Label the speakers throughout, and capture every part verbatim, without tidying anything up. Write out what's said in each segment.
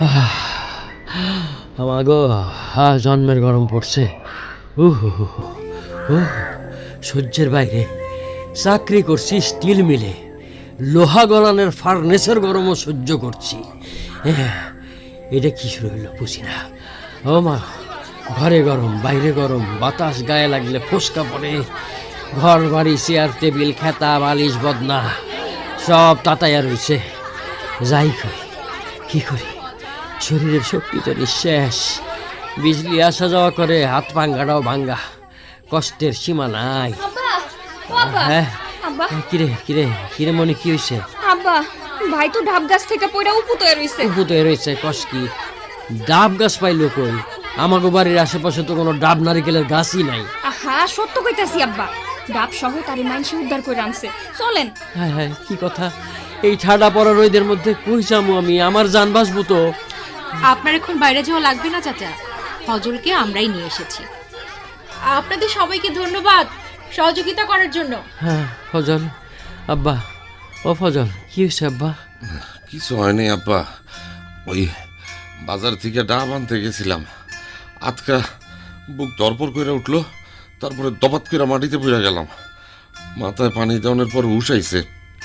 Speaker 1: আমার গো জন্মের গরম পড়ছে। উহ সহ্যের বাইরে। চাকরি করছি স্টিল মিলে, লোহা গলানের ফার্নেসের গরমও সহ্য করছি। এটা কি শুরু হইল বুঝি না। ও মা, ঘরে গরম বাইরে গরম, বাতাস গায়ে লাগলে ফোসকা পড়ে। ঘর বাড়ি চেয়ার টেবিল খেতা বালিশ বদনা সব তাতাইয়া রয়েছে। যাই করি কি করি, শরীরের শক্তি তো নিঃশেষ। বিজলি আসা যাওয়া করে, হাত পাঙ্গাটাও ভাঙ্গা, কষ্টের সীমা নাই। হ্যাঁ কিরে কিরে কিরে মনে কি হয়েছে?
Speaker 2: আব্বা, ভাই তো ডাব গাছ থেকে পড়ে উপুত হয়ে রইছে।
Speaker 1: উপুত হয়ে রয়েছে কস কি? ডাব গাছ পাইলো কই? আমাগো বাড়ির আশেপাশে তো কোনো ডাব নারিকেলের গাছই নাই।
Speaker 2: আহা, সত্য কইতাছি আব্বা, ডাব সহ তারে মাইনসে উদ্ধার করে আনছে। চলেন।
Speaker 1: হ্যাঁ হ্যাঁ, কি কথা? এই ঠাডা পড়া রোদের মধ্যে কই যামু আমি? আমার জান বাঁচবো তো।
Speaker 3: আপনার এখন বাইরে যাওয়া লাগবে না চাচা, ফজলকে আমরাই নিয়ে এসেছি। আপনাদের সবাইকে ধন্যবাদ সহযোগিতা করার জন্য।
Speaker 1: হ্যাঁ ফজল, আব্বা ও ফজল, কি হয়েছে আব্বা?
Speaker 4: কিছু হয়নি আব্বা, ওই বাজার থেকে ডাব আনতে গেছিলাম, আজকা বুক দরপর করে উঠলো, তারপরে দপাত করে মাটিতে পড়ে গেলাম। মাথায় পানি দেওয়ানোর পর হুশ আইছে,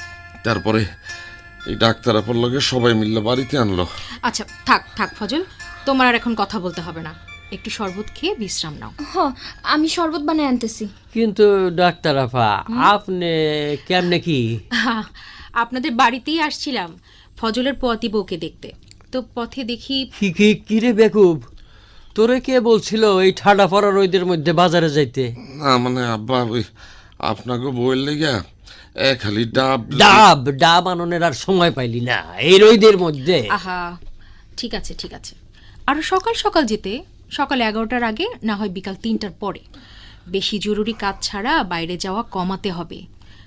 Speaker 4: তারপরে এই ডাক্তার আপর লগে সবাই মিললে বাড়িতে আনলো।
Speaker 3: আচ্ছা থাক থাক ফজল, তোমার আর এখন কথা বলতে হবে না, একটু শরবত খেয়ে বিশ্রাম নাও।
Speaker 2: হ, আমি শরবত বানায় আনতেছি।
Speaker 1: কিন্তু ডাক্তার আপা, আপনি কেমনে কি?
Speaker 3: আপনাদের বাড়িতেই আসছিলাম ফজলের পোয়াতি বউকে দেখতে, তো পথে দেখি।
Speaker 1: কি কি কিরে বেকুব, তোরে কে বলছিল এই ঠাডা পড়া রোদের মধ্যে বাজারে যাইতে?
Speaker 4: না মানে আব্বা, ওই আপনাকে বইয়ের লেগে এ খালি ডাব
Speaker 1: ডাব ডাব আননের আর সময় পাইলি না এই রোদের মধ্যে?
Speaker 3: আহা ঠিক আছে ঠিক আছে, আরো সকাল সকাল যেতে, সকাল এগারোটার আগে, না হয় বিকাল তিনটার পরে। বেশি জরুরি কাজ ছাড়া বাইরে যাওয়া কমাতে হবে।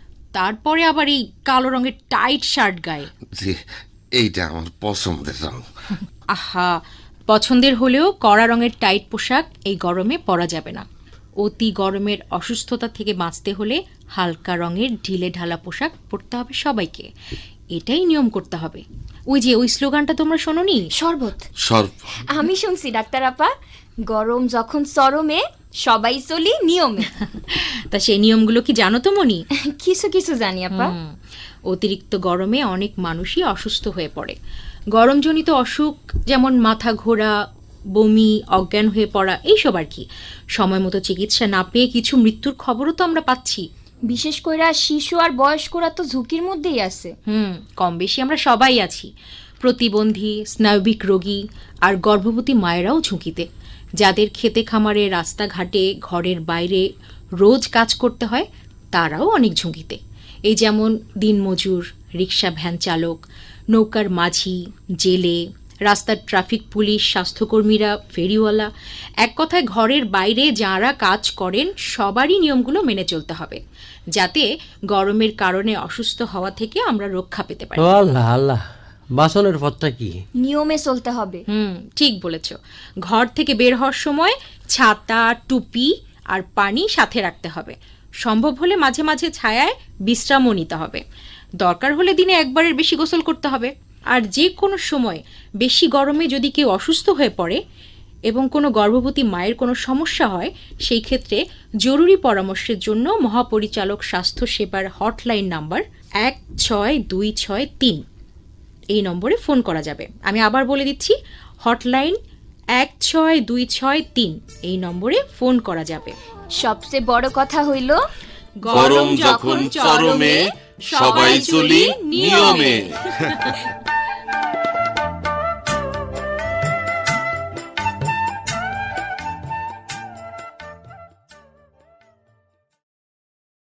Speaker 3: তারপরে আবার এই কালো রঙের টাইট শার্ট গায়ে।
Speaker 4: জি, এইটা আমার পছন্দের রং।
Speaker 3: আহা, পছন্দের হলেও কড়া রঙের টাইট পোশাক এই গরমে পরা যাবে না। অতি গরমের অসুস্থতা থেকে বাঁচতে হলে হালকা রঙের ঢিলে ঢালা পোশাক পরতে হবে সবাইকে, এটাই নিয়ম করতে হবে। ওই যে ওই স্লোগানটা তোমরা শোনোনি?
Speaker 2: শরবত
Speaker 4: সর্ব
Speaker 2: আমি শুনছি ডাক্তার আপা, গরম যখন চরমে সবাই চলি নিয়মে।
Speaker 3: তা সেই নিয়মগুলো কি জানো তো মনি?
Speaker 2: কিছু কিছু জানি আপা।
Speaker 3: অতিরিক্ত গরমে অনেক মানুষই অসুস্থ হয়ে পড়ে। গরমজনিত অসুখ যেমন মাথা ঘোরা, বমি, অজ্ঞান হয়ে পড়া, এইসব আর কি। সময় মতো চিকিৎসা না পেয়ে কিছু মৃত্যুর খবরও তো আমরা পাচ্ছি।
Speaker 2: বিশেষ করে শিশু আর বয়স্করা তো ঝুঁকির মধ্যেই আছে।
Speaker 3: হুম কম বেশি আমরা সবাই আছি। প্রতিবন্ধী, স্নায়বিক রোগী আর গর্ভবতী মায়েরাও ঝুঁকিতে। যাদের খেতে খামারে, রাস্তাঘাটে, ঘরের বাইরে রোজ কাজ করতে হয়, তারাও অনেক ঝুঁকিতে। এই যেমন দিনমজুর, রিক্সা ভ্যান চালক, নৌকার মাঝি, জেলে, রাস্তার ট্রাফিক পুলিশ, স্বাস্থ্যকর্মীরা, ফেরিওয়ালা, এক কথায় ঘরের বাইরে যারা কাজ করেন সবারই নিয়মগুলো মেনে চলতে হবে, যাতে গরমের কারণে অসুস্থ হওয়া থেকে আমরা রক্ষা পেতে পারি।
Speaker 1: আল্লাহ আল্লাহ, বাসনের পথটা কি?
Speaker 2: নিয়মে চলতে হবে।
Speaker 3: হুম ঠিক বলেছ। ঘর থেকে বের হওয়ার সময় ছাতা, টুপি আর পানি সাথে রাখতে হবে। সম্ভব হলে মাঝে মাঝে ছায়ায় বিশ্রামও নিতে হবে। দরকার হলে দিনে একবারের বেশি গোসল করতে হবে। আর যে কোনো সময় বেশি গরমে যদি কেউ অসুস্থ হয়ে পড়ে এবং কোনো গর্ভবতী মায়ের কোনো সমস্যা হয়, সেই ক্ষেত্রে জরুরি পরামর্শের জন্য মহাপরিচালক স্বাস্থ্য সেবার হটলাইন নাম্বার এক ছয় দুই ছয় তিন এই নম্বরে ফোন করা যাবে। আমি আবার বলে দিচ্ছি, হটলাইন এক ছয় দুই ছয় তিন এই নম্বরে ফোন করা যাবে।
Speaker 2: সবচেয়ে বড় কথা হইল,
Speaker 4: গরম যখন চরমে সবাই চলি নিয়মে।